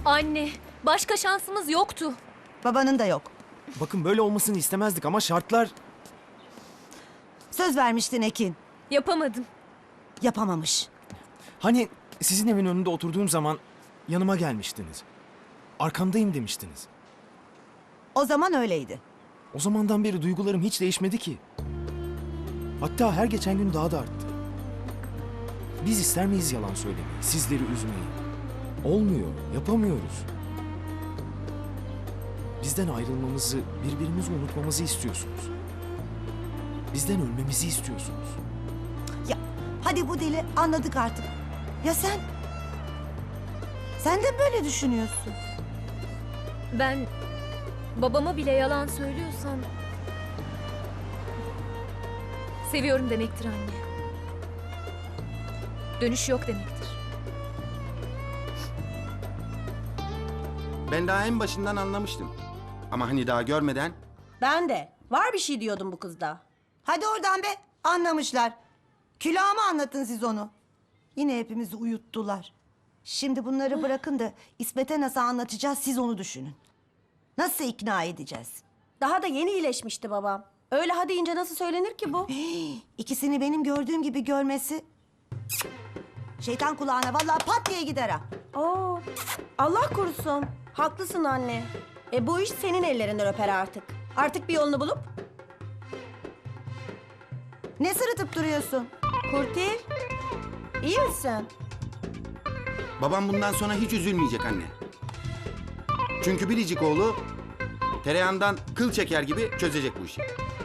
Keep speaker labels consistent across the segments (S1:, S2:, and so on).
S1: Anne, başka şansımız yoktu.
S2: Babanın da yok.
S3: Bakın böyle olmasını istemezdik ama şartlar...
S2: Söz vermiştin Ekin.
S1: Yapamadım.
S2: Yapamamış.
S3: Hani sizin evin önünde oturduğum zaman yanıma gelmiştiniz. Arkamdayım demiştiniz.
S2: O zaman öyleydi.
S3: O zamandan beri duygularım hiç değişmedi ki. Hatta her geçen gün daha da arttı. Biz ister miyiz yalan söylemeyi, sizleri üzmeyi? Olmuyor, yapamıyoruz. Bizden ayrılmamızı, birbirimizi unutmamızı istiyorsunuz. Bizden ölmemizi istiyorsunuz.
S2: Ya hadi bu dili anladık artık. Ya sen? Sen de böyle düşünüyorsun.
S1: Ben babama bile yalan söylüyorsam... seviyorum demektir anne. Dönüş yok demektir.
S4: Ben daha en başından anlamıştım. Ama hani daha görmeden...
S5: Ben de. Var bir şey diyordum bu kızda.
S2: Hadi oradan be. Anlamışlar. Külahıma anlatın siz onu. Yine hepimizi uyuttular. Şimdi bunları bırakın da İsmet'e nasıl anlatacağız siz onu düşünün. Nasıl ikna edeceğiz?
S5: Daha da yeni iyileşmişti babam. Öyle ha deyince nasıl söylenir ki bu?
S2: İkisini benim gördüğüm gibi görmesi... Şeytan kulağına vallahi pat diye gider ha.
S5: Oo, Allah korusun. Haklısın anne. Bu iş senin ellerinden öper artık. Artık bir yolunu bulup...
S2: Ne sırıtıp duruyorsun?
S5: Kurtil, iyi misin?
S4: Babam bundan sonra hiç üzülmeyecek anne. Çünkü biricik oğlu tereyağından kıl çeker gibi çözecek bu işi.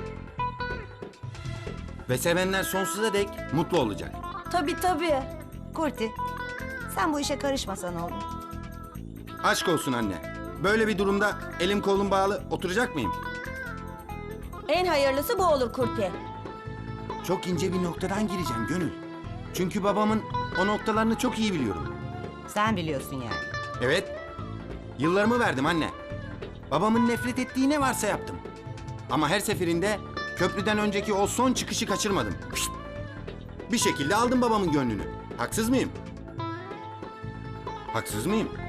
S4: Ve sevenler sonsuza dek mutlu olacak.
S5: Tabii tabii.
S2: Kurti, sen bu işe karışmasan oğlum.
S4: Aşk olsun anne. Böyle bir durumda elim kolum bağlı oturacak mıyım?
S5: En hayırlısı bu olur Kurtil.
S4: Çok ince bir noktadan gireceğim Gönül. Çünkü babamın o noktalarını çok iyi biliyorum.
S2: Sen biliyorsun yani.
S4: Evet. Yıllarımı verdim anne. Babamın nefret ettiği ne varsa yaptım. Ama her seferinde köprüden önceki o son çıkışı kaçırmadım. Pişt! Bir şekilde aldım babamın gönlünü. Haksız mıyım? Haksız mıyım?